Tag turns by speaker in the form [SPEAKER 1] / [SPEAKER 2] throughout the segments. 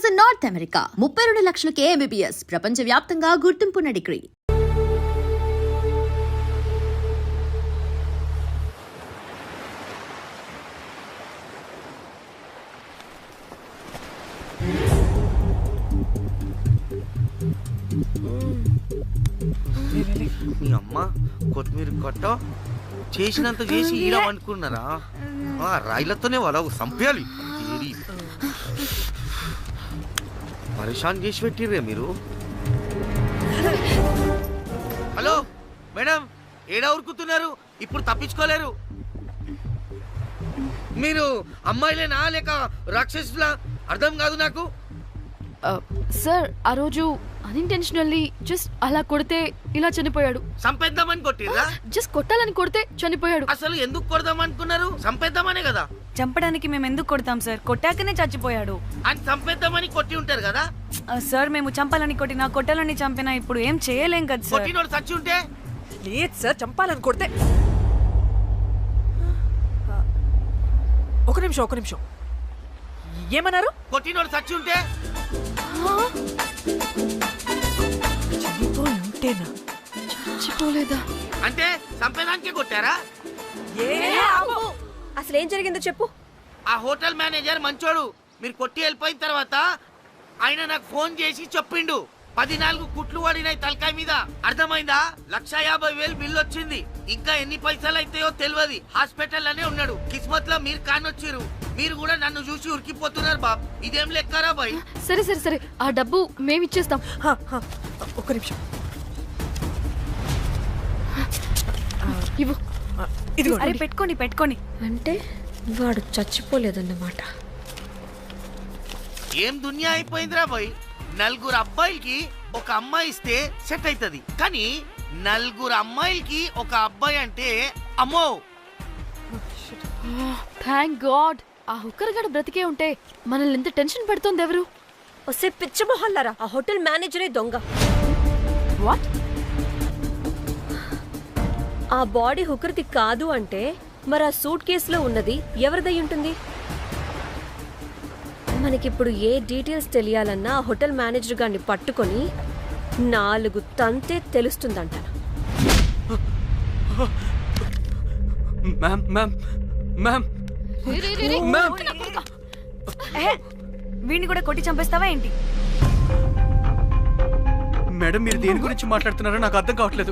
[SPEAKER 1] In North America 32 లక్షలకే MBBS ప్రపంచవ్యాప్తంగా గుర్తింపున్న degree.
[SPEAKER 2] మీ అమ్మ కొత్తిమీర కట్ట చేసినంత చేసి ఈడమనుకున్నారా? రాయిలతోనే వాళ్ళ సంపేయాలి. పరేషాన్ చేసి పెట్టిర్రే మీరు. హలో మేడం, ఏడా ఉరుకుతున్నారు? ఇప్పుడు తప్పించుకోలేరు. మీరు అమ్మాయిలేనా లేక రాక్షసులా? అర్థం కాదు నాకు.
[SPEAKER 3] సార్ ఆ రోజు అన్ఇంటెన్షనల్లీ జస్ట్ అలా కొడితే ఇలా చనిపోయాడు.
[SPEAKER 2] సంపేద్దామని కొట్టిర్రా?
[SPEAKER 3] జస్ట్ కొట్టాలని కొడితే చనిపోయాడు.
[SPEAKER 2] అసలు ఎందుకు కొడదాం అనుకున్నారు? సంపేద్దామనే కదా.
[SPEAKER 4] చంపడానికి మేము ఎందుకు కొడతాం సార్? కొట్టాకనే చచ్చిపోయాడు.
[SPEAKER 2] అని సంపేద్దామని కొట్టి ఉంటారు కదా
[SPEAKER 4] సార్. మేము చంపాలని కొట్టినా కొట్టాలని చంపినా ఇప్పుడు ఏం చేయలేం కదా సార్.
[SPEAKER 2] కొట్టినోడు చచ్చి ఉంటే?
[SPEAKER 5] లేదు సార్, చంపాలని కొడితే. ఒక నిమిషం ఏమన్నారు?
[SPEAKER 2] కొట్టినోడు చచ్చి ఉంటే?
[SPEAKER 5] చనిపోయి ఉంటేనా?
[SPEAKER 3] చచ్చిపోలేదా?
[SPEAKER 2] అంటే సంపేదానికే కొట్టారా?
[SPEAKER 6] అసలు ఏం జరిగిందో చెప్పు.
[SPEAKER 2] ఆ హోటల్ మేనేజర్ మంచోడు. మీరు కొట్టి వెళ్ళిపోయిన తర్వాత ఆయన నాకు ఫోన్ చేసి చెప్పిండు 14 కుట్లు పడినాయి తలకాయ మీద. అర్థమైందా? 1,50,000 బిల్లు వచ్చింది. ఇంకా ఎన్ని పైసలు అయితాయో తెలియదు. హాస్పిటల్ ఉన్నాడు. కిస్మత్ లో మీరు కానొచ్చిరు. మీరు కూడా నన్ను చూసి ఉరికిపోతున్నారు బాబ్. ఇదేం లెక్కరా బాయ్?
[SPEAKER 3] సరే సరే సరే, ఆ డబ్బు మేమిచ్చేస్తాం.
[SPEAKER 5] ఒక నిమిషం
[SPEAKER 3] ఇవ్వు.
[SPEAKER 5] ఇది
[SPEAKER 4] అరే పెట్టుకోండి.
[SPEAKER 6] అంటే వాడు చచ్చిపోలేదన్నమాట.
[SPEAKER 2] ఏం దునియా అయిపోయిందిరా బాయ్. 4 అబ్బాయిలకి ఒక అమ్మాయి ఇస్తే సెట్ అవుతుంది, కానీ 4 అమ్మాయిలకి ఒక అబ్బాయి అంటే అమ్మో.
[SPEAKER 3] థ్యాంక్ గాడ్ ఆ హుక్కర్ గడ బ్రతికే ఉంటే మనల్ని ఎంత టెన్షన్ పెడుతోంది ఎవరు?
[SPEAKER 6] వస్తే పిచ్చ మొహల్లారా, ఆ హోటల్ మేనేజరే దొంగ.
[SPEAKER 3] వాట్?
[SPEAKER 6] ఆ బాడీ హుకర్ది కాదు అంటే మరి ఆ సూట్ కేసులో ఉన్నది ఎవరిదై ఉంటుంది? మనకిప్పుడు ఏ డీటెయిల్స్ తెలియాలన్నా ఆ హోటల్ మేనేజర్ గారిని పట్టుకొని 4 తంతే తెలుస్తుందంట.
[SPEAKER 4] వీడిని కూడా కొట్టి చంపేస్తావా ఏంటి?
[SPEAKER 7] మేడం, మీరు దేని గురించి మాట్లాడుతున్నారో నాకు అర్థం కావట్లేదు.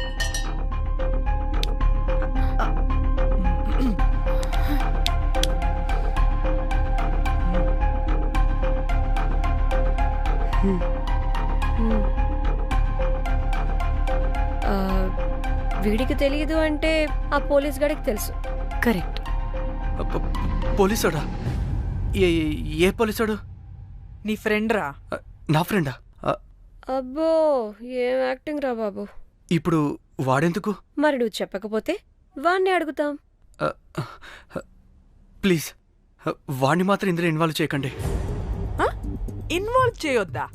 [SPEAKER 6] వీడికి తెలియదు అంటే ఆ పోలీస్ గాడికి తెలుసు.
[SPEAKER 4] కరెక్ట్.
[SPEAKER 7] పోలీసోడా? ఏ పోలీసోడు?
[SPEAKER 5] నీ ఫ్రెండ్ రా.
[SPEAKER 7] నా ఫ్రెండా?
[SPEAKER 6] అబ్బో, ఏం యాక్టింగ్ రా బాబు.
[SPEAKER 7] ఇప్పుడు వాడెందుకు?
[SPEAKER 6] మరి నువ్వు చెప్పకపోతే వాణ్ణి అడుగుతాం.
[SPEAKER 7] ప్లీజ్ వాణ్ణి మాత్రం ఇందులో ఇన్వాల్వ్ చేయకండి.
[SPEAKER 5] ఇన్వాల్వ్ చేయొద్దా?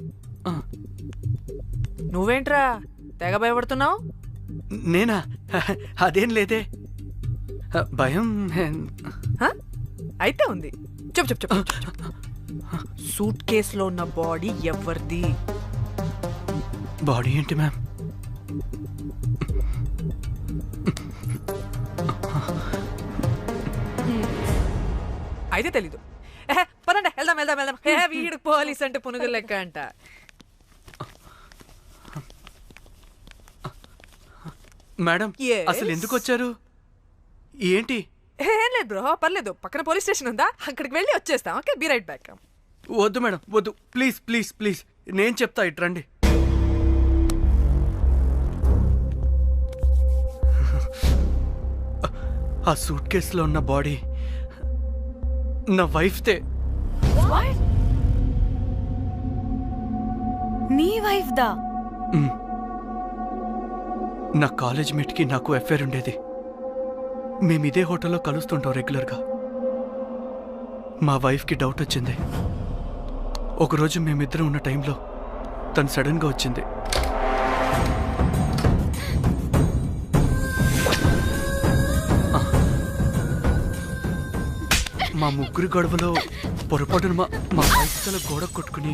[SPEAKER 5] నువ్వేంట్రా తెగ భయపడుతున్నావు?
[SPEAKER 7] నేనా? అదేం లేదే. భయం
[SPEAKER 5] అయితే ఉంది. చెప్పు. సూట్ కేసులో ఉన్న బాడీ ఎవరిది?
[SPEAKER 7] బాడీ ఏంటి మ్యామ్?
[SPEAKER 5] అయితే తెలీదు. పదండి వెళ్దాం. వీడు పోలీస్ అంటే పునుగులు లెక్క అంట.
[SPEAKER 7] Madam,
[SPEAKER 5] Yes.
[SPEAKER 7] అసలు ఎందుకు వచ్చారు? ఏంటి?
[SPEAKER 5] ఏం లేదు బ్రో, పర్లేదు. పక్కన పోలీస్ స్టేషన్ ఉందా, అక్కడికి వెళ్ళి వచ్చేస్తాం. Okay, be right back.
[SPEAKER 7] వద్దు మేడం, వద్దు. ప్లీజ్ నేను చెప్తా, ఇట్రండి. ఆ సూట్ కేసులో ఉన్న బాడీ నా వైఫ్తే.
[SPEAKER 4] నీ వైఫ్ దా?
[SPEAKER 7] నా కాలేజ్ మేట్కి నాకు అఫైర్ ఉండేది. మేము ఇదే హోటల్లో కలుస్తుంటాం రెగ్యులర్గా. మా వైఫ్కి డౌట్ వచ్చింది. ఒకరోజు మేమిద్దరం ఉన్న టైంలో తను సడన్గా వచ్చింది. మా ముగ్గురి గొడవలో పొరపాటున మా వైఫ్ తల గోడ కొట్టుకుని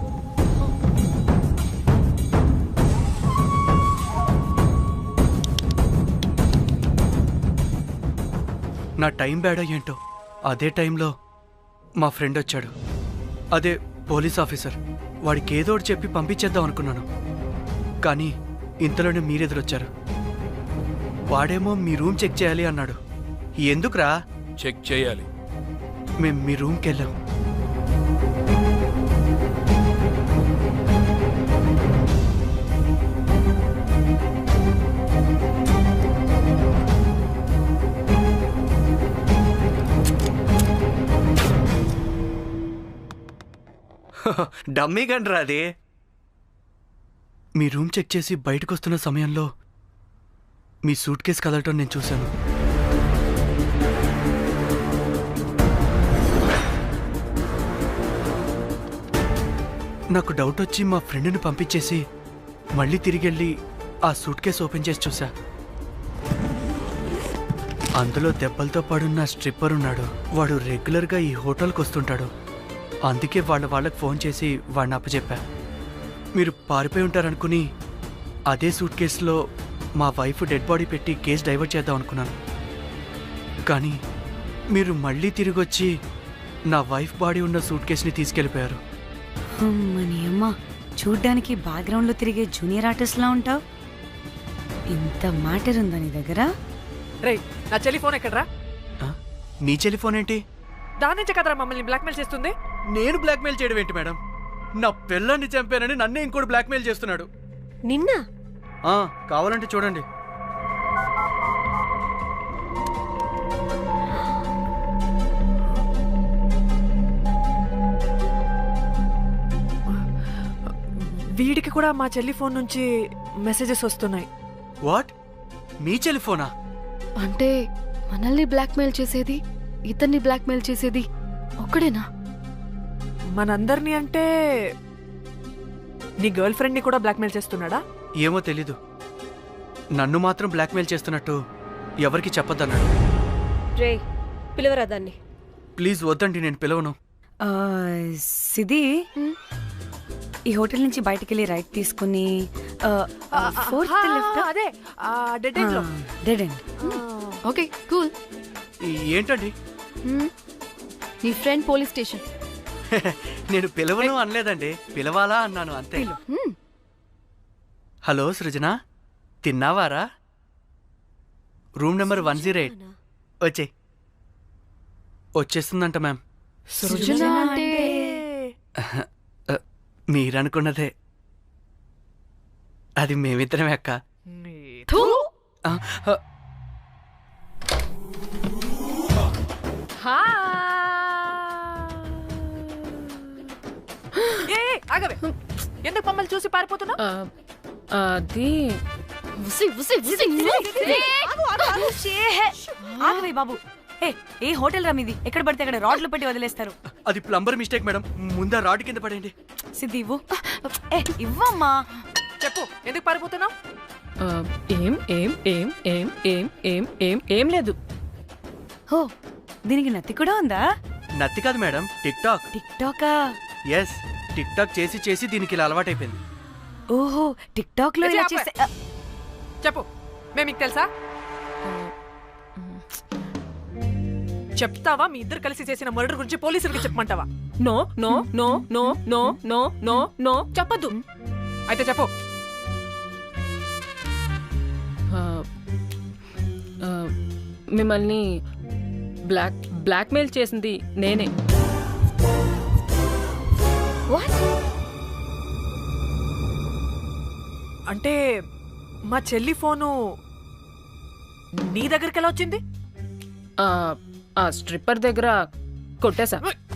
[SPEAKER 7] నా టైం బ్యాడ్ ఏంటో అదే టైంలో మా ఫ్రెండ్ వచ్చాడు. అదే పోలీస్ ఆఫీసర్. వాడికి ఏదో ఒకటి చెప్పి పంపించేద్దాం అనుకున్నాను, కానీ ఇంతలోనే మీరెదురొచ్చారు. వాడేమో మీ రూమ్ చెక్ చేయాలి అన్నాడు. ఎందుకురా?
[SPEAKER 8] చెక్ చేయాలి.
[SPEAKER 7] మేము మీ రూమ్కి వెళ్ళాం. డమ్మీ గండ్రా అది. మీ రూమ్ చెక్ చేసి బయటకు వస్తున్న సమయంలో మీ సూట్ కేసు కదలటం నేను చూశాను. నాకు డౌట్ వచ్చి మా ఫ్రెండ్ని పంపించేసి మళ్ళీ తిరిగెళ్ళి ఆ సూట్ కేసు ఓపెన్ చేసి చూసా. అందులో దెబ్బలతో పడున్న స్ట్రిప్పర్ ఉన్నాడు. వాడు రెగ్యులర్గా ఈ హోటల్కి వస్తుంటాడు. అందుకే వాళ్ళకి ఫోన్ చేసి వాడిని అప్పచెప్పా. మీరు పారిపోయి ఉంటారనుకుని అదే సూట్ కేసులో మా వైఫ్ డెడ్ బాడీ పెట్టి కేసు డైవర్ట్ చేద్దాం అనుకున్నాను. కానీ మీరు మళ్ళీ తిరిగి వచ్చి నా వైఫ్ బాడీ ఉన్న సూట్ కేసుని తీసుకెళ్ళిపోయారు.
[SPEAKER 4] అమ్మని అమ్మ, చూడ్డానికి బ్యాక్గ్రౌండ్ లో తిరిగే జూనియర్ ఆర్టిస్ట్ లా ఉంటావు. ఇంత మ్యాటర్ ఉందా నీ దగ్గర?
[SPEAKER 5] రే, నా చెల్లి ఫోన్ ఎక్కడరా?
[SPEAKER 7] ఆ? మీ టెలిఫోన్ ఏంటి?
[SPEAKER 5] దాని నుంచే కదరా మమ్మల్ని బ్లాక్మెయిల్ చేస్తుంది.
[SPEAKER 7] నేను బ్లాక్మెయిల్ చేయడం ఏంటి మేడం? నా పిల్లాన్ని చంపానని నన్నే ఇంకోటి బ్లాక్మెయిల్ చేస్తున్నాడు.
[SPEAKER 6] నిన్న
[SPEAKER 7] కావాలంటే చూడండి.
[SPEAKER 5] వీడికి కూడా మా చెల్లి ఫోన్ నుంచి మెసేజెస్ వస్తున్నాయి.
[SPEAKER 7] వాట్? మీ టెలిఫోనా?
[SPEAKER 3] అంటే మనల్ని బ్లాక్మెయిల్ చేసేది, ఇతన్ని బ్లాక్మెయిల్ చేసేది ఒక్కడేనా?
[SPEAKER 5] మనందరినీ అంటే నీ గర్ల్ ఫ్రెండ్ ని కూడా బ్లాక్మెయిల్ చేస్తున్నాడా?
[SPEAKER 7] ఏమో తెలీదు. నన్ను మాత్రం బ్లాక్మెయిల్ చేస్తున్నట్టు ఎవరికి చెప్పొద్దన్నాడు.
[SPEAKER 6] రే, పిలవరా దాన్ని.
[SPEAKER 7] ప్లీజ్ వద్దండి, నేను పిలవను.
[SPEAKER 4] సిది, ఈ హోటల్ నుంచి బయటికి వెళ్ళి రైట్ తీసుకుని ఫోర్త్ లెఫ్ట్.
[SPEAKER 5] అదే డెడ్ ఎండ్ లో.
[SPEAKER 4] Dead end.
[SPEAKER 3] Okay, cool.
[SPEAKER 7] ఏంటండి?
[SPEAKER 3] నీ ఫ్రెండ్ పోలీస్ స్టేషన్.
[SPEAKER 7] నేను పిలవను అనలేదండి, పిలవాలా అన్నాను అంతే. హలో సృజన, తిన్నావారా? Room number 108. వచ్చేస్తుందంట మ్యామ్.
[SPEAKER 3] సృజన అంటే
[SPEAKER 7] మీరనుకున్నదే. అది మేమిద్దరమే అక్క.
[SPEAKER 3] థూ.
[SPEAKER 5] ఆగవే, ఎందుకు మమ్మల్ని చూసి పారిపోతున్నా?
[SPEAKER 3] అది
[SPEAKER 4] ఆగవే బాబు. ఏ హోటల్ రా మీది? ఎక్కడ పడితే అక్కడ రాడ్లు పెట్టి వదిలేస్తారు.
[SPEAKER 7] అది ప్లంబర్ మిస్టేక్ మేడం. ముందా రాడ్ కింద పడండి.
[SPEAKER 4] సిద్ధి ఇవ్వు. ఇవ్వమ్మా.
[SPEAKER 5] చెప్పు, ఎందుకు పారిపోతున్నావు?
[SPEAKER 3] ఏం ఏం ఏం ఏం ఏం ఏం ఏం ఏం లేదు.
[SPEAKER 4] హో, దీనికి నత్తి కూడా ఉందా?
[SPEAKER 7] నత్తి కాదు మేడం, టిక్ టాక్.
[SPEAKER 4] టిక్ టాకా?
[SPEAKER 7] ఎస్, టిక్ టాక్ చేసి చేసి దీనికి ఇలా అలవాటైపోయింది.
[SPEAKER 4] ఓహో, టిక్ టాక్ లో ఇలా చేసే.
[SPEAKER 5] చెప్పు, మేము మీకు తెలుసా? చెప్తావా? మీ ఇద్దరు కలిసి చేసిన మర్డర్ గురించి పోలీసులకి చెప్పమంటావా?
[SPEAKER 3] No no no no no no no no చెప్పద్దు.
[SPEAKER 5] అయితే చెప్పు.
[SPEAKER 3] మిమ్మల్ని బ్లాక్మెయిల్ చేసింది నేనే.
[SPEAKER 5] అంటే మా చెల్లి ఫోను నీ దగ్గరికి ఎలా వచ్చింది?
[SPEAKER 3] ఆ స్ట్రిప్పర్ దగ్గర కొట్టేశా.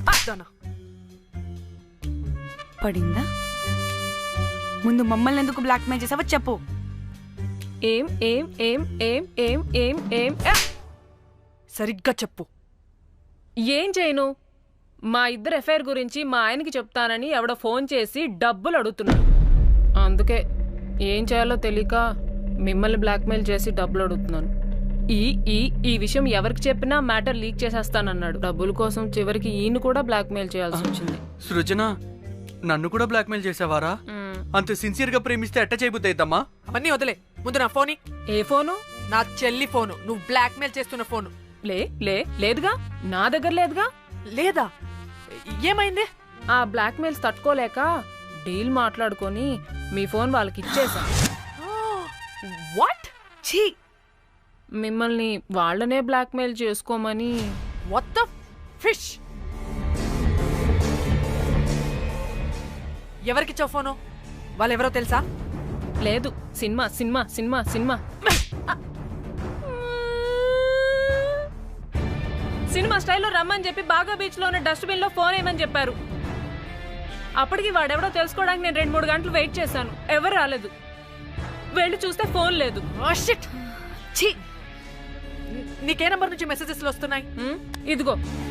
[SPEAKER 4] పడిందా? ముందు మమ్మల్ని ఎందుకు బ్లాక్మెయిల్ చేసావో చెప్పు.
[SPEAKER 3] ఏం ఏం ఏం ఏం ఏం ఏం ఏం
[SPEAKER 5] సరిగ్గా చెప్పు.
[SPEAKER 3] ఏం చేయను? మా ఇద్దరు ఎఫ్ఐఆర్ గురించి మా ఆయనకి చెప్తానని ఎవడో ఫోన్ చేసి డబ్బులు అడుగుతున్నాడు. అందుకే ఏం చేయాలో తెలియక మిమ్మల్ని బ్లాక్మెయిల్ చేసి డబ్బులు అడుగుతున్నాను. ఈ విషయం ఎవరికి చెప్పినా మ్యాటర్ లీక్ చేసేస్తానన్నాడు. డబ్బుల కోసం చివరికి ఈయన కూడా బ్లాక్మెయిల్ చేయాల్సి వచ్చింది.
[SPEAKER 7] సృజన నన్ను కూడా బ్లాక్మెయిల్ చేసావారా? అంత సిన్సియర్ గా ప్రేమిస్తే ఎట్ట చేయబుద్ది అయిద్దమ్మా?
[SPEAKER 5] అవన్నీ వదిలే, ముందు నా ఫోన్.
[SPEAKER 3] ఏ ఫోను?
[SPEAKER 5] నా చెల్లి ఫోను, నువ్వు బ్లాక్మెయిల్ చేస్తున్న ఫోను.
[SPEAKER 3] లేదుగా, నా దగ్గర లేదుగా.
[SPEAKER 5] లేదా? ఏమైంది?
[SPEAKER 3] ఆ బ్లాక్మెయిల్స్ తట్టుకోలేక డీల్ మాట్లాడుకొని మీ ఫోన్ వాళ్ళకి ఇచ్చేసా.
[SPEAKER 5] వాట్? ఛీ,
[SPEAKER 3] మిమ్మల్ని వాళ్ళనే బ్లాక్మెయిల్ చేసుకోమని.
[SPEAKER 5] What the fish? ఎవరికిచ్చావు ఫోను? వాళ్ళెవరో తెలుసా?
[SPEAKER 3] లేదు, cinema cinema cinema cinema cinema స్టైల్లో రమ్మని చెప్పి బాగా బీచ్ లో ఉన్న డస్ట్బిన్ లో ఫోన్ వేయమని చెప్పారు. అప్పటికి వాడెవడో తెలుసుకోవడానికి నేను 2-3 గంటలు వెయిట్ చేశాను. ఎవరు రాలేదు. వెళ్ళి చూస్తే ఫోన్ లేదు.
[SPEAKER 5] ఛీ, నీకే నంబర్ నుంచి మెసేజెస్ వస్తున్నాయి?
[SPEAKER 3] ఇదిగో.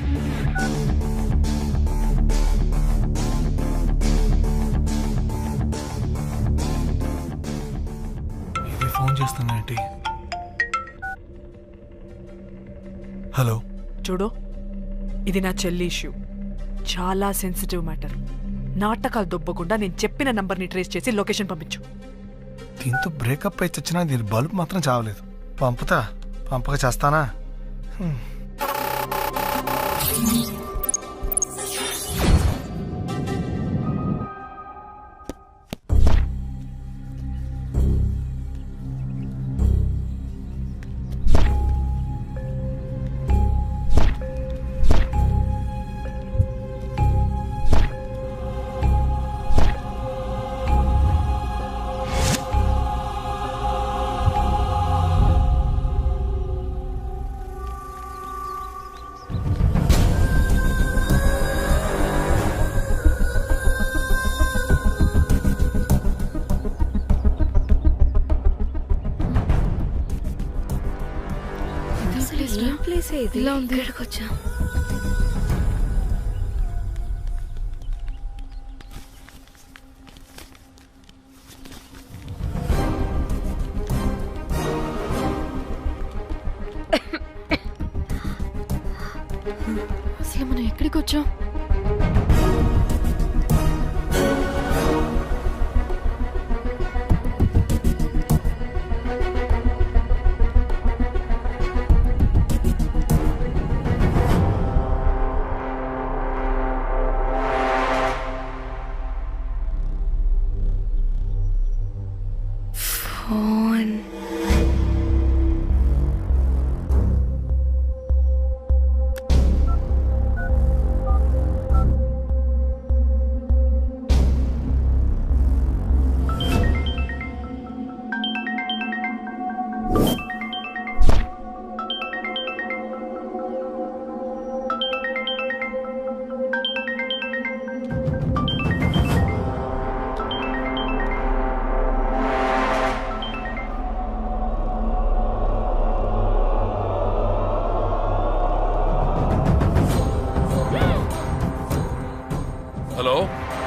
[SPEAKER 8] ఇది ఫోన్ చేస్తున్నానంటే. హలో,
[SPEAKER 5] చూడు, ఇది నా చెల్లి ఇష్యూ. చాలా సెన్సిటివ్ మ్యాటర్. నాటకాలు దొబ్బకుండా నేను చెప్పిన నంబర్ని ట్రేస్ చేసి లొకేషన్ పంపించు.
[SPEAKER 8] దీంతో బ్రేకప్ అయితే వచ్చినా దీని బల్బ్ మాత్రం చావలేదు. పంపక చేస్తానా?
[SPEAKER 6] ఇలా ఉంది. ఇక్కడికి వచ్చా. అసలు మనం ఎక్కడికి వచ్చాం?
[SPEAKER 9] హలో,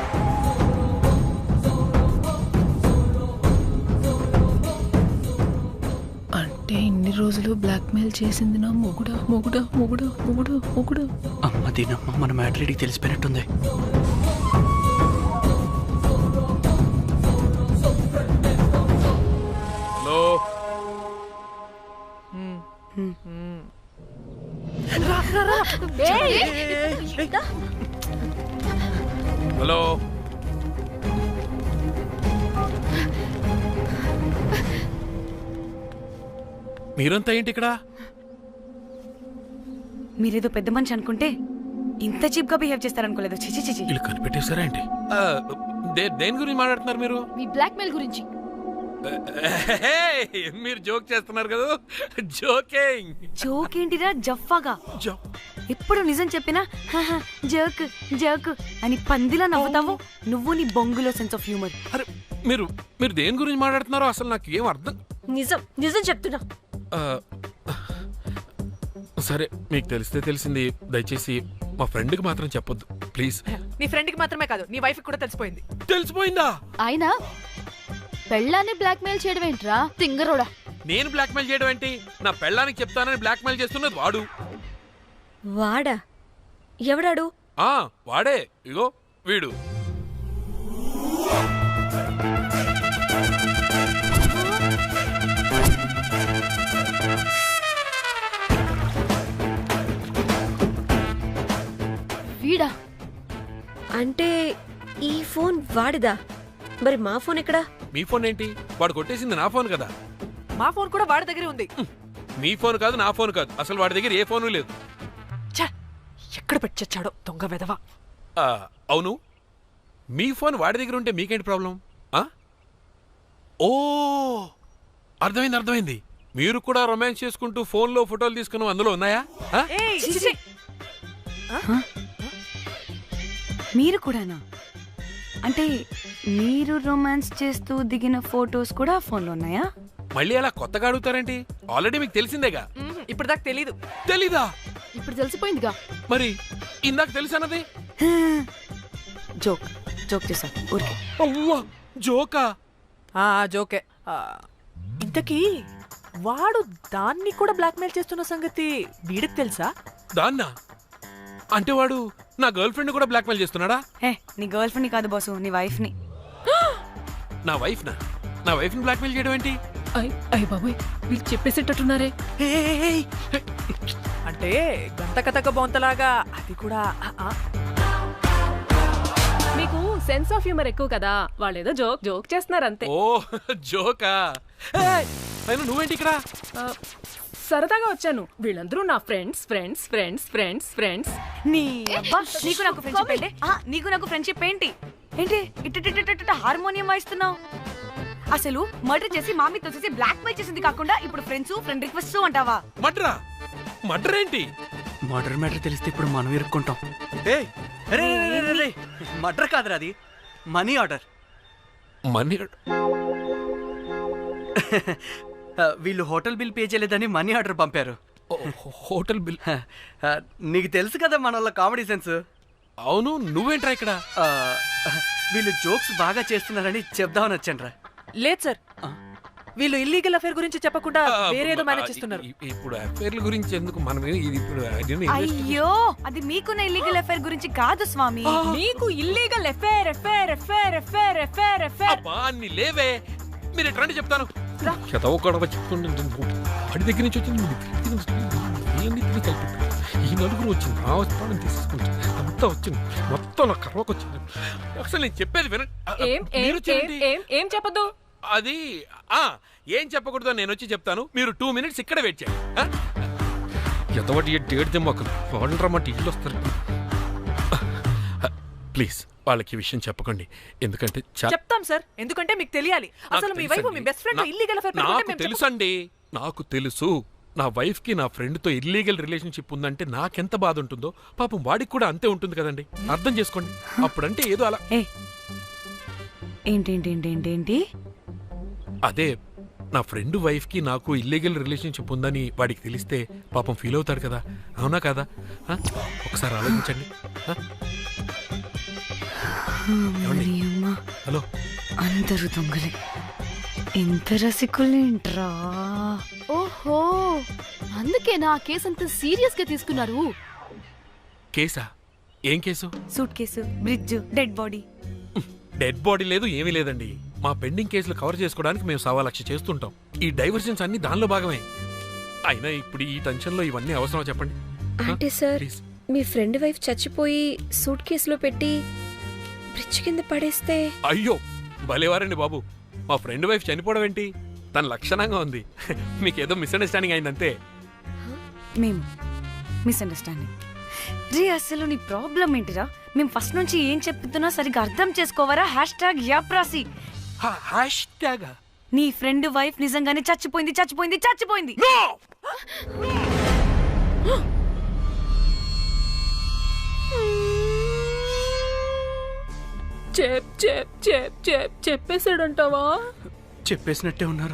[SPEAKER 3] అంటే ఇన్ని రోజులు బ్లాక్మెయిల్ చేసింది నా మొగుడా మొగుడా మొగుడా మొగుడా మొగుడా.
[SPEAKER 7] అమ్మ దీనమ్మ, మన మ్యాటర్ తెలిసిపోయినట్టుంది.
[SPEAKER 9] Hello, hello. మీరంతా ఏంటి ఇక్కడ?
[SPEAKER 4] మీరేదో పెద్ద మనిషి అనుకుంటే ఇంత చీప్ గా బిహేవ్ చేస్తారనుకోలేదు. చిచి చిచి.
[SPEAKER 9] వీళ్ళు కనిపెట్టేశారా ఏంటి? దేని గురించి మాట్లాడుతున్నారు మీరు?
[SPEAKER 6] మీ బ్లాక్మెయిల్ గురించి.
[SPEAKER 9] మీరు జోక్ చేస్తున్నారు కదా? జోకింగ్.
[SPEAKER 4] జోక్ ఏంటిరా జఫ్ఫాగా? ఎప్పుడు నిజం చెప్పినా జోక్ జోక్ అని పందిలా నవ్వుతావు. నువ్వు నీ బొంగులో సెన్స్ ఆఫ్ హ్యూమర్.
[SPEAKER 9] అరే, మీరు దేని గురించి మాట్లాడుతున్నారో అసలు నాకు ఏం అర్థం.
[SPEAKER 6] నిజం నిజం చెప్తున్నా.
[SPEAKER 9] సరే, మీకు తెలిస్తే తెలిసింది. దయచేసి మా ఫ్రెండ్కి మాత్రం చెప్పొద్దు ప్లీజ్.
[SPEAKER 5] నీ ఫ్రెండ్కి మాత్రమే కాదు, నీ వైఫ్కి కూడా తెలిసిపోయింది.
[SPEAKER 9] తెలిసిపోయిందా?
[SPEAKER 6] ఆయన పెళ్ళాన్ని బ్లాక్మెయిల్ చేయడం ఏంట్రా తింగరోడా?
[SPEAKER 9] నేను బ్లాక్మెయిల్ చేయడం ఏంటి? నా పెళ్ళానికి చెప్తానని బ్లాక్మెయిల్ చేస్తున్నది వాడు.
[SPEAKER 6] వాడా? ఎవడాడు?
[SPEAKER 9] వాడే. ఇగో వీడు.
[SPEAKER 4] వీడా?
[SPEAKER 6] అంటే ఈ ఫోన్ వాడిదా? మరి మా ఫోన్ ఎక్కడా?
[SPEAKER 9] మీ ఫోన్ ఏంటి? వాడు కొట్టేసింది నా ఫోన్ కదా.
[SPEAKER 5] మా ఫోన్ కూడా వాడి దగ్గరే ఉంది.
[SPEAKER 9] మీ ఫోన్ కాదు, నా ఫోన్ కాదు, అసలు వాడి దగ్గర ఏ ఫోను లేదు.
[SPEAKER 5] ఛ! ఎక్కడ పెట్టొచ్చాడో దొంగ వెధవ.
[SPEAKER 9] అవును, మీ ఫోన్ వాడి దగ్గర ఉంటే మీకేంటి ప్రాబ్లం? ఓ అర్థమైంది. మీరు కూడా రొమాన్స్ చేసుకుంటూ ఫోన్లో ఫోటోలు తీసుకున్నాం, అందులో ఉన్నాయా?
[SPEAKER 5] ఏయ్, చిచి!
[SPEAKER 4] మీరు కూడానా? అంటే మీరు రొమాన్స్ చేస్తూ దిగిన ఫోటోస్ కూడా ఫోన్లో ఉన్నాయా?
[SPEAKER 9] మళ్ళీ అలా కొత్తగా అడుగుతారేంటి? ఆల్రెడీ మీకు తెలిసిందేగా.
[SPEAKER 5] ఇప్పుడు దాకా తెలీదు.
[SPEAKER 9] తెలీదా?
[SPEAKER 3] ఇప్పుడు తెలిసిపోయిందిగా.
[SPEAKER 9] మరి ఇందాక తెలుసన్నది?
[SPEAKER 4] జోక్ చేశా ఊరికే.
[SPEAKER 9] అవ్వా, జోకా?
[SPEAKER 5] జోకే. ఇంతకీ వాడు దాన్ని కూడా బ్లాక్మెయిల్ చేస్తున్న సంగతి వీడికి తెలుసా?
[SPEAKER 9] దాన్నా? అంటే వాడు నా గర్ల్ ఫ్రెండ్ కూడా బ్లాక్మెయిల్ చేస్తున్నాడా?
[SPEAKER 4] నీ గర్ల్ ఫ్రెండ్ కాదు బాసు, నీ వైఫ్ ని.
[SPEAKER 9] నా వైఫ్ ని బ్లాక్మెయిల్ చేయడం ఏంటి?
[SPEAKER 3] అయ్య బాబోయ్, వీళ్ళు చెప్పేసేటట్టున్నారే.
[SPEAKER 5] అంటే గంత కథక బొంతలాగా అది కూడా.
[SPEAKER 3] మీకు సెన్స్ ఆఫ్ హ్యూమర్ ఎక్కువ కదా, వాళ్ళేదో జోక్ చేస్తున్నారు అంతే.
[SPEAKER 9] ఓ జోకా? అయినా నువ్వేంటి ఇక్కడ?
[SPEAKER 3] సరదాగా వచ్చాను. వీళ్ళందరూ నా ఫ్రెండ్స్.
[SPEAKER 4] నీ అబ్బా, నీకు నాకు ఫ్రెండ్షిప్ ఏంటి? నీకు నాకు ఫ్రెండ్షిప్ ఏంటి? ఇట్ట హార్మోనియం వాయిస్తున్నావు. అసలు మర్డర్ చేసి మామీ తోసేసి బ్లాక్ మెయిల్ చేసింది కాకుండా ఇప్పుడు ఫ్రెండ్ రిక్వెస్ట్ అంటావా?
[SPEAKER 9] మర్డర్ ఏంటి?
[SPEAKER 7] మర్డర్ మ్యాటర్ తెలిస్తే ఇప్పుడు మనం ఇరుక్కుంటాం. మర్డర్ కాదురా, అది మనీ ఆర్డర్. వీళ్ళు హోటల్ బిల్ పే చేయలేదని మనీ ఆర్డర్ పంపారు.
[SPEAKER 9] Hotel bill?
[SPEAKER 7] నీకు తెలుసు కదా మన వాళ్ళ కామెడీ సెన్స్.
[SPEAKER 9] అవును, నువ్వేంట్రా ఇక్కడ?
[SPEAKER 7] వీళ్ళు జోక్స్ బాగా చేస్తున్నారని చెప్దామని వచ్చాను.
[SPEAKER 5] లేదు సార్, వీళ్ళు ఇల్లీగల్ అఫేర్ గురించి చెప్పకుండా వేరేదో మేనేజ్ చేస్తున్నారు.
[SPEAKER 9] ఇప్పుడు అఫేర్ల గురించి ఎందుకు మనం ఇప్పుడు?
[SPEAKER 4] అయ్యో, అది మీకున్న ఇల్లీగల్ అఫేర్ గురించి కాదు స్వామి.
[SPEAKER 3] మీకు ఇల్లీగల్ అఫేర్.
[SPEAKER 9] అన్ని లేవే, మీరు ఎట్లా చెప్తాను. వాడి దగ్గర నుంచి వచ్చింది, ఈ నలుగురు వచ్చింది, నా వస్తానని తీసుకుంటే అంతా వచ్చింది, మొత్తం నా కర్వకు వచ్చింది. అసలు నేను చెప్పేది వినండి.
[SPEAKER 3] ఏం చెప్పదు?
[SPEAKER 9] అది ఏం చెప్పకూడదు, నేను వచ్చి చెప్తాను. మీరు 2 minutes ఇక్కడ వెయిట్ చేయండి. ఎంతవాటి డేట్ దెమ్మకలు వాళ్ళు రమ్మంటే ఇల్లు వస్తారు. ప్లీజ్ వాళ్ళకి ఈ విషయం చెప్పకండి, ఎందుకంటే
[SPEAKER 5] చెప్తాం సార్, ఎందుకంటే మీకు తెలియాలి. అసలు మీ వైఫ్ మీ బెస్ట్ ఫ్రెండ్ ఇల్లీగల్ అఫేర్.
[SPEAKER 9] నాకు తెలుసండి, నాకు తెలుసు. నా వైఫ్ కి నా ఫ్రెండ్ తో ఇల్లీగల్ రిలేషన్షిప్ ఉందంటే నాకెంత బాధ ఉంటుందో పాపం వాడికి కూడా అంతే ఉంటుంది కదండి. అర్థం చేసుకోండి. అప్పుడంటే ఏదో అలా.
[SPEAKER 4] ఏంటి?
[SPEAKER 9] అదే నా ఫ్రెండ్ వైఫ్ కి నాకు ఇల్లీగల్ రిలేషన్షిప్ ఉందని వాడికి తెలిస్తే పాపం ఫీల్ అవుతాడు కదా, అవునా కదా? ఒకసారి ఆలోచించండి. హలో,
[SPEAKER 4] అందరూ దొంగలే, ఎంత రసికులేంట్రా.
[SPEAKER 10] ఓహో, అందుకే నా కేసు అంత సీరియస్ గా తీసుకున్నారు.
[SPEAKER 9] కేసా? ఏం case?
[SPEAKER 4] Suitcase, bridge, dead body.
[SPEAKER 9] Dead body లేదు, ఏమీ లేదండి. మా పెండింగ్ కేసులు కవర్ చేసుకోవడానికి మేము 1,00,000 చేస్తుంటాం. ఈ డైవర్షన్స్ అన్ని దానిలో భాగమే. అయినా ఇప్పుడు ఈ టెన్షన్లో ఇవన్నీ అవసరం చెప్పండి.
[SPEAKER 6] అంటే సార్, మీ ఫ్రెండ్ వైఫ్ చచ్చిపోయి సూట్ కేసులో పెట్టి బ్రిడ్జ్ కింద పడేస్తే?
[SPEAKER 9] అయ్యో భలేవారండి బాబు, మా ఫ్రెండ్ వైఫ్ చనిపోవడం ఏంటి? తన లక్షణంగా ఉంది. మీకేదో మిస్అండర్స్టాండింగ్ అయిందంతే.
[SPEAKER 4] మేము మిస్అండర్స్టాండింగ్ రీ, అసలు నీ ప్రాబ్లం ఏంటిరా? మేము ఫస్ట్ నుంచి ఏం చెప్తున్నా సరిగ్గా అర్థం చేసుకోవరా? #యాప్రాసి. నీ ఫ్రెండ్ వైఫ్ నిజంగానే చచ్చిపోయింది.
[SPEAKER 3] చెప్పేసాడంటావా?
[SPEAKER 7] చెప్పేసినట్టే ఉన్నారు.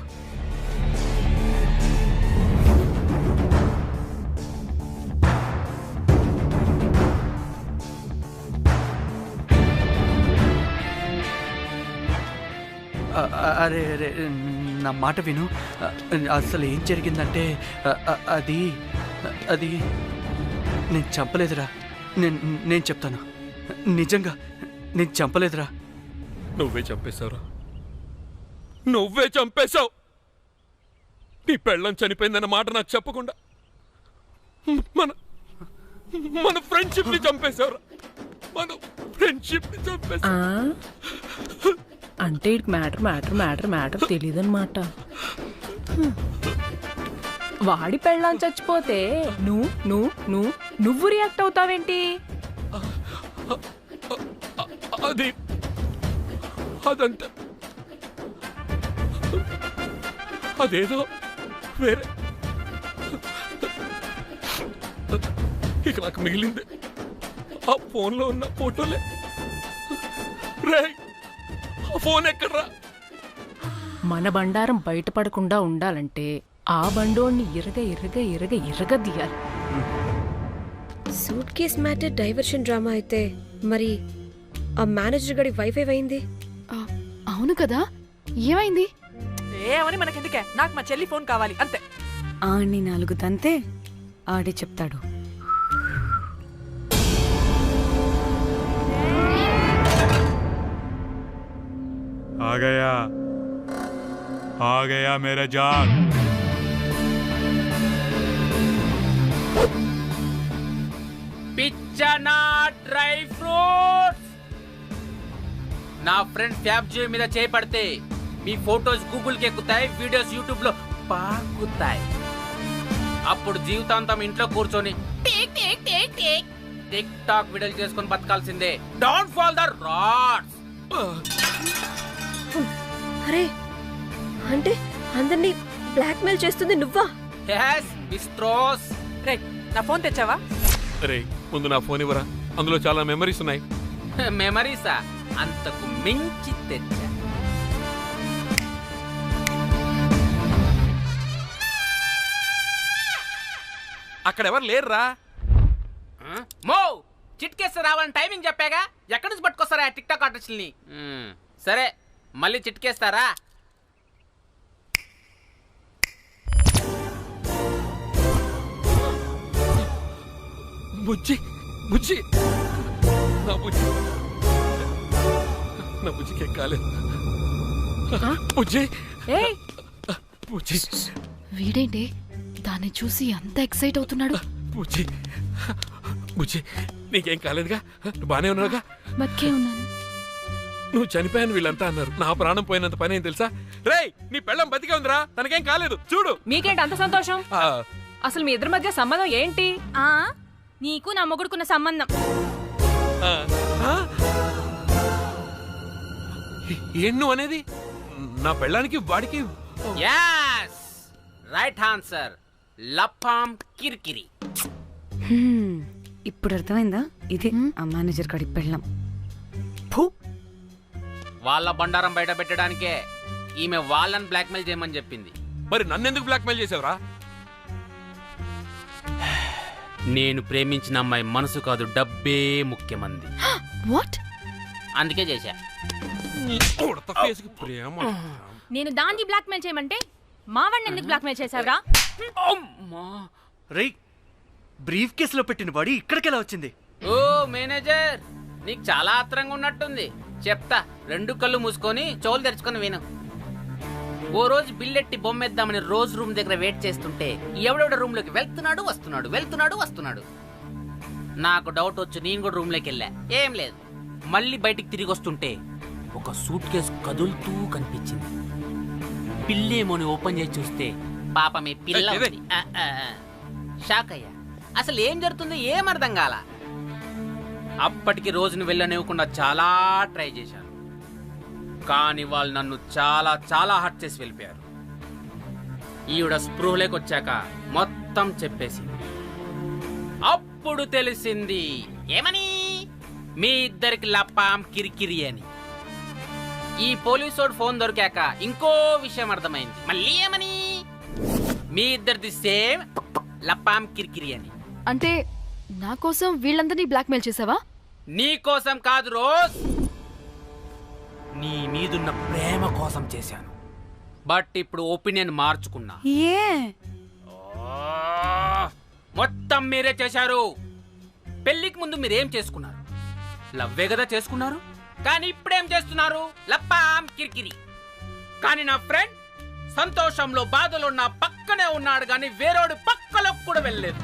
[SPEAKER 7] అరే నా మాట విను. అసలు ఏం జరిగిందంటే అది అది నేను చంపలేదురా. నేను చెప్తాను, నిజంగా నేను చంపలేదురా.
[SPEAKER 9] నువ్వే చంపేశావురా, నువ్వే చంపేశావు. నీ పెళ్ళం చనిపోయిందన్న మాట నాకు చెప్పకుండా మన మన ఫ్రెండ్షిప్ ని చంపేశావురా. మన ఫ్రెండ్షిప్ ని చంపేశావు.
[SPEAKER 3] అంటే మ్యాటర్ తెలియదన్నమాట. వాడి పెళ్ళాం చచ్చిపోతే నువ్వు రియాక్ట్ అవుతావేంటి?
[SPEAKER 9] అదంతా అదేదో వేరే. ఇక నాకు మిగిలింది ఆ ఫోన్లో ఉన్న ఫోటోలే. రే, ఆ ఫోన్ ఎక్కడ్రా?
[SPEAKER 3] మన బండారం బయటపడకుండా ఉండాలంటే ఆ బండోడిని ఇరగదీయాలి.
[SPEAKER 6] Suitcase matter diversion drama అయితే మరి ఆ మేనేజర్ గడి వైఫై అయింది.
[SPEAKER 10] అవును కదా, ఏమైంది?
[SPEAKER 5] ఏమని మనకెందుకే, నాకు మా చెల్లి ఫోన్ కావాలి అంతే.
[SPEAKER 4] ఆడిని 4 తంతే ఆడే చెప్తాడు.
[SPEAKER 11] आ गया मेरा जान.
[SPEAKER 2] పిచ్చనా డ్రై ఫ్రూట్స్. నా ఫ్రెండ్ ఫ్యాబ్ జియో మీద చేపడితే మీ ఫోటోస్ గూగుల్ కి ఎక్కుతాయి, వీడియోస్ యూట్యూబ్ లో పాకుతాయి. అప్పుడు జీవితాంతం ఇంట్లో కూర్చొని టిక్ టాక్ వీడియోలు చేసుకొని బతకాల్సిందే. Don't fall the rods.
[SPEAKER 6] అరే, అంటే అందరినీ బ్లాక్మెయిల్ చేస్తుంది నువ్వా?
[SPEAKER 2] yes మిస్ట్రోస్.
[SPEAKER 5] రే, నా ఫోన్ తెచ్చావా?
[SPEAKER 9] రే, ముందు నా ఫోన్ ఇవ్వరా, అందులో చాలా మెమరీస్ ఉన్నాయి.
[SPEAKER 2] మెమరీసా? అంతకు మించి తెచ్చా.
[SPEAKER 9] అక్కడ ఎవరు లేరురా.
[SPEAKER 2] మో చిట్కేస్తే రావాలని టైమింగ్ చెప్పాగా, ఎక్కడి నుంచి పట్టుకొస్తారా టిక్ టాక్ ఆర్టిస్టుల్ని? సరే, మళ్ళీ చిట్కేస్తారా?
[SPEAKER 9] బుజ్జి బుజ్జి నా బుజ్జి నా బుజ్జికి కాలేదు. బుజ్జి బుజ్జి.
[SPEAKER 10] వీడేంటి దాన్ని చూసి అంత ఎక్సైట్ అవుతున్నాడు?
[SPEAKER 9] బుజ్జి బుజ్జి, నీకేం కాలేదుగా? నువ్వు బానే ఉన్నావుగా?
[SPEAKER 10] బతికే ఉన్నాను.
[SPEAKER 9] నువ్వు చనిపోయాను వీళ్ళంతా అన్నారు. నా ప్రాణం పోయినంత పని ఏం తెలుసా? రేయ్, నీ పెళ్ళం బతికే ఉందిరా, తనకేం కాలేదు. చూడు.
[SPEAKER 3] మీకేంటి అంత సంతోషం? అసలు మీ ఇద్దరి మధ్య సంబంధం ఏంటి?
[SPEAKER 4] నీకు నా మొగుడుకున్న సంబంధం.
[SPEAKER 9] ఏం నువ్వు అనేది? నా పెళ్ళానికి వాడికి?
[SPEAKER 2] yes right answer. లపాం కిరికిరి.
[SPEAKER 4] ఇప్పుడు అర్థమైందా? ఇది ఆ మేనేజర్ గడి పెళ్ళం.
[SPEAKER 2] వాళ్ళ బండారం బయట పెట్టడానికే ఈమె వాళ్ళని బ్లాక్మెయిల్ చేయమని చెప్పింది.
[SPEAKER 9] మరి నన్నెందుకు బ్లాక్మెయిల్ చేసావురా?
[SPEAKER 2] నేను ప్రేమించిన అమ్మాయి మనసు కాదు, డబ్బే ముఖ్యమంది.
[SPEAKER 10] వాట్?
[SPEAKER 2] అందుకే చేశా.
[SPEAKER 4] నేను దాన్ని బ్లాక్మెయిల్ చేయమంటే మావాడిని ఎందుకు బ్లాక్మెయిల్ చేశావురా?
[SPEAKER 7] రేయ్, బ్రీఫ్ కేసులో పెట్టిన బాడీ ఇక్కడికెలా వచ్చింది?
[SPEAKER 2] ఓ మేనేజర్, నీకు చాలా ఆత్రంగా ఉన్నట్టుంది. చెప్తా, 2 కళ్ళు మూసుకొని చెవులు తెరుచుకొని విను. ఓ రోజు బిల్లెట్టి బొమ్మేద్దామని రోజు రూమ్ దగ్గర వెయిట్ చేస్తుంటే ఎవడెవడ రూమ్ లోకి వెళ్తున్నాడు వస్తున్నాడు. నాకు డౌట్ వచ్చి నేను కూడా రూమ్ లోకి వెళ్ళా. ఏం లేదు. మళ్ళీ బయటికి తిరిగి వస్తుంటే ఒక సూట్ కేసు కదులుతూ కనిపించింది. పిల్లేమోని ఓపెన్ చేసి చూస్తే పాపమే పిల్ల ఉంది. షాక్ అయ్యా. అసలు ఏం జరుగుతుందో ఏం అర్థం కాల. అప్పటికి రోజును వెళ్ళనివ్వకుండా చాలా ట్రై చేశాను, కానీ వాళ్ళు నన్ను చాలా చాలా హర్ట్ చేసి వెళ్ళిపోయారు. ఈవిడ స్పృహలోకి వచ్చాక మొత్తం చెప్పేసింది. అప్పుడు తెలిసింది. ఏమని? మీ ఇద్దరికి లపాం కిరికిరి అని. ఈ పోలీసోడు ఫోన్ దొరికాక ఇంకో విషయం అర్థమైంది. మళ్ళీ ఏమని? మీ ఇద్దరిది సేమ్ లపాం కిరికిరి అని.
[SPEAKER 10] అంటే నా కోసం వీళ్ళందరినీ బ్లాక్మెయిల్ చేసావా?
[SPEAKER 2] నీ కోసం కాదు రోజ్, నీ మీదున్న ప్రేమ కోసం చేశాను.
[SPEAKER 12] బట్ ఇప్పుడు ఒపీనియన్ మార్చుకున్నా.
[SPEAKER 4] ఏ
[SPEAKER 12] మొత్తం మీరే చేశారు. పెళ్లికి ముందు మీరేం చేసుకున్నారు? లవ్వే కదా చేసుకున్నారు. కానీ ఇప్పుడేం చేస్తున్నారు? లప్పాం కిరికిరి. కానీ నా ఫ్రెండ్ సంతోషంలో బాధలో నా పక్కనే ఉన్నాడు, కానీ వేరేడు పక్కలోకి కూడా వెళ్ళలేదు.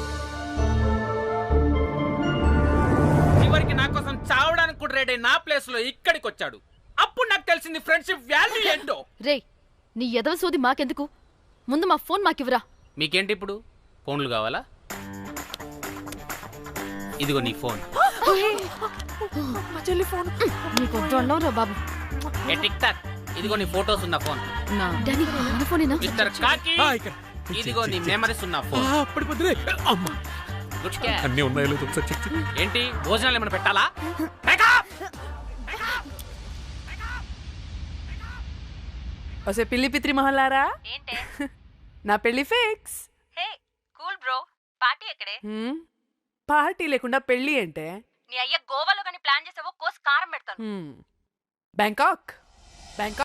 [SPEAKER 12] చివరికి నా కోసం చావడానికి కూడా రెడీ నా ప్లేస్ లో ఇక్కడికి వచ్చాడు. అప్పుడు నాకు తెలిసింది ఫ్రెండ్షిప్ వాల్యూ ఏంటో.
[SPEAKER 10] రే నీ ఎదవ సోది మాకెందుకు, ముందు మా ఫోన్ మాకివ్వరా.
[SPEAKER 12] మీకేంటి ఇప్పుడు ఫోన్లు కావాలా? ఇదిగో నీ ఫోన్.
[SPEAKER 5] మా చెల్లి ఫోన్.
[SPEAKER 10] నీకు వద్దు అన్నావురా బాబు.
[SPEAKER 12] ఏ టిక్ టాక్, ఇదిగో నీ ఫోటోస్ ఉన్న ఫోన్.
[SPEAKER 10] డానీ మన ఫోనేనా?
[SPEAKER 12] మిస్టర్ కాకి, ఇదిగో నీ మెమరీస్ ఉన్న ఫోన్. Good catch.
[SPEAKER 9] అన్నీ ఉన్నాయో లేదో ఒకసారి చెక్ చెయ్యి.
[SPEAKER 12] ఏంటి భోజనాలు ఏమైనా పెట్టాలా?
[SPEAKER 5] వసే పిల్లి పిత్రి మహల్లారా,
[SPEAKER 4] ఏంటే
[SPEAKER 5] నా పెళ్లి fix.
[SPEAKER 4] Hey cool bro, party ఎక్కడే?
[SPEAKER 5] పార్టీ లేకుండా పెళ్లి అంటే
[SPEAKER 4] నీ అయ్య గోవాలో కానీ ప్లాన్ చేసావో కోసి కారం పెడతాను.
[SPEAKER 5] బ్యాంకాక్.